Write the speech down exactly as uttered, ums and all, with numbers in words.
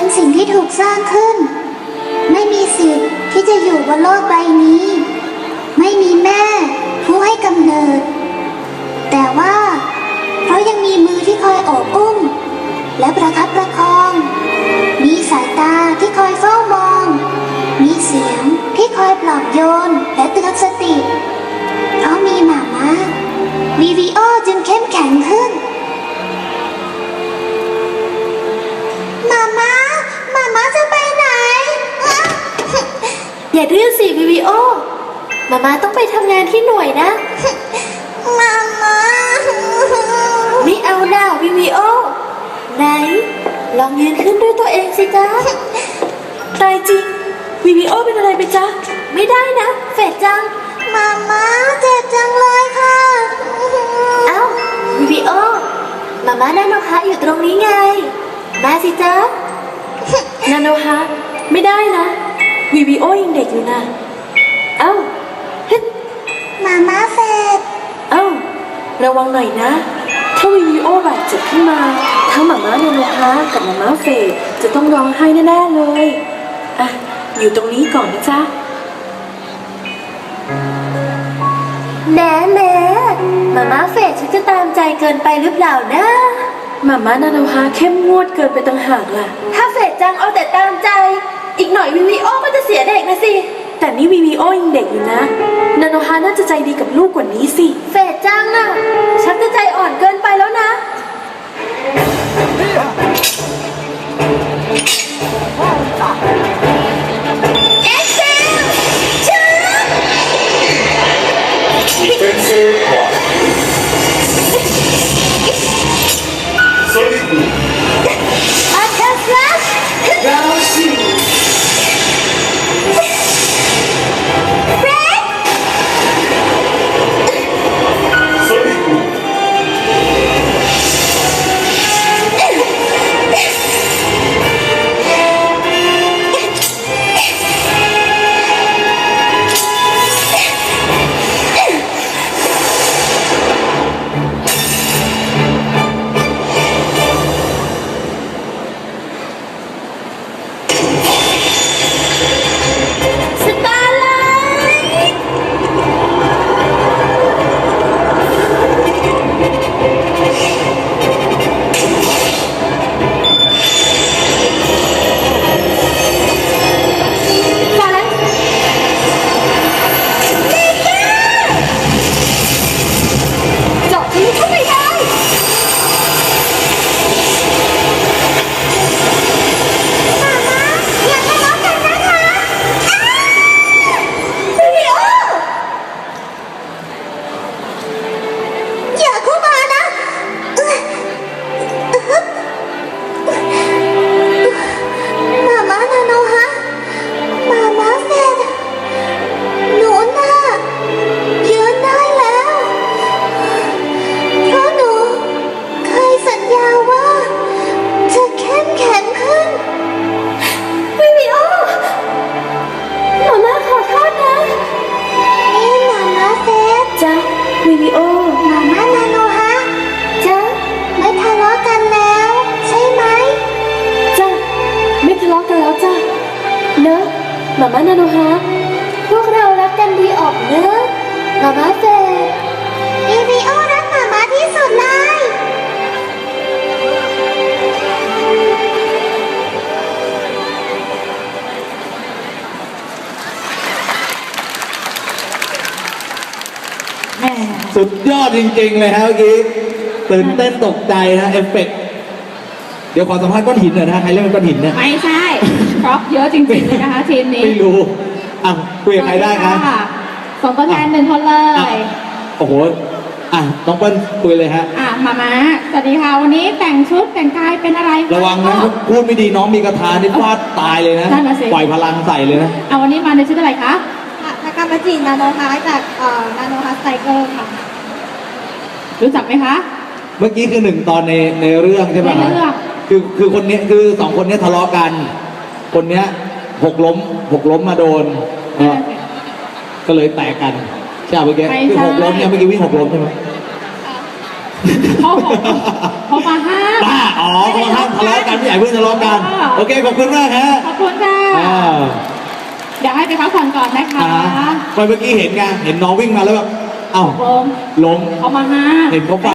สิ่งที่ถูกสร้างขึ้นไม่มีสิทธิ์ที่จะอยู่บนโลกใบนี้ไม่มีแม่ผู้ให้กำเนิดแต่ว่าเพราะยังมีมือที่คอยโอบอุ้มและประคับประคองมีสายตาที่คอยเฝ้ามองมีเสียงที่คอยปลอบโยนและเตือนสติเพราะมีหมาม้าวีวีโอจึงเข้มแข็งขึ้นหมาม้าหมาม้าจะไปไหนอย่าดื้อสิวีวีโอมาม่าต้องไปทำงานที่หน่วยนะหมาม้าไม่เอาหน้าวีวีโอไหนลองยืนขึ้นด้วยตัวเองสิจ๊ะตายจริงวีวีโอเป็นอะไรไปจ๊ะไม่ได้นะเฟดจังหมาม้าเจ็บจังเลยค่ะเอ้าวีวีโอมาม่านาโนฮะอยู่ตรงนี้ไงมาสิจ๊ะนาโนฮะไม่ได้นะวีวีโอยังเด็กอยู่นะเอ้าหมาม้าเฟดเอ้าระวังหน่อยนะถ้าวีวีโอบาดเจ็บขึ้นมาทั้งหมาม้านาโนฮะกับหมาม้าเฟดจะต้องร้องไห้แน่ๆเลยอ่ะอยู่ตรงนี้ก่อนนะจ๊ะแหน่แหน่หมาม้าเฟดฉันจะตามใจเกินไปหรือเปล่านะหมาม้านาโนฮะเข้มงวดเกินไปต่างหากล่ะถ้าเฟดจังเอาแต่ตามใจอีกหน่อยวีวีโอก็จะเสียเด็กนะสิแต่นี่วีวีโอยังเด็กอยู่นะนาโนฮาน่าจะใจดีกับลูกกว่านี้สิเฟดจังน่ะฉันจะใจอ่อนเกินไปแล้วนะเอ็กเซลชื่อ Defensive one. Solid blue. อัลเทอร์ฟลัช Now see. Solid blue. สตาร์ไลท์ฝันเมกาเจาะทะลุเข้าไปได้หมาม้าอย่าทะเลาะกันนะคะวีวีโออย่าเข้ามานะหมาม้านาโนฮะหมาม้าเฟดหนูน่ะยืนได้แล้วเพราะหนูเคยสัญญาว่าจะเข้มแข็งขึ้นวีวีโอหมาม่าขอโทษนะนี่หมาม้าเฟดจ๊ะวีวีโอหมาม้านาโนฮะจ๊ะไม่ทะเลาะกันแล้วใช่ไหมจ้ะไม่ทะเลาะกันแล้วจ้ะเนอะหมาม่านาโนฮะพวกเรารักกันดีออกเนอะหมาม่าเฟดวีวีโอรักหมาม้าที่สุดเลยแม่สุดยอดจริงๆเลยฮะเมื่อกี้ตื่นเต้นตกใจนะเอฟเฟกต์เดี๋ยวขอสัมภาษณ์ก้อนหินหน่อยนะใครเล่นเป็นก้อนหินเนี่ยไม่ใช่ครบเยอะจริงๆเลยนะคะทีมนี้ไม่รู้อ่ะคุยกับใครได้คะส่งตัวแทนหนึ่งคนเลอ่ะยโอ้โหอ่ะน้องเปิ้ลคุยเลยฮะอ่ะมาม้าสวัสดีค่ะวันนี้แต่งชุดแต่งกายเป็นอะไรคระวังนะก็พูดไม่ดีน้องมีกระทานี่ฟาดตายเลยนะนั่นน่ะสิปล่อยพลังใส่เลยนะเอาวันนี้มาในชุดอะไรคะทากามาจินาโนฮาจากเอ่อนาโนฮาไซเคิลค่ะรู้จักไหมคะเมื่อกี้คือหนึ่งตอนในในเรื่องใช่ไหมในเรื่องคือคือคนเนี้ยคือสองคนเนี้ยทะเลาะกัน คนเนี้ยหกล้มหกล้มมาโดนเอ่อก็เลยแตกกันใช่ไหมเมื่อกี้คือหกล้มเนี่ยเมื่อกี้วิ่งหกล้มใช่ไหมเขาบอกเขามาห้ามบ้าอ๋อเขาห้ามทะเลาะกันไม่อยากให้เพื่อนทะเลาะกันอ่าโอเคขอบคุณมากฮะขอบคุณค่ะอ่าเดี๋ยวให้ไปพักผ่อนก่อนนะคะอ่าเมื่อกี้เห็นไงเห็นน้องวิ่งมาแล้วแบบเอ้าลมล้มเขามาห้ามเห็นเขา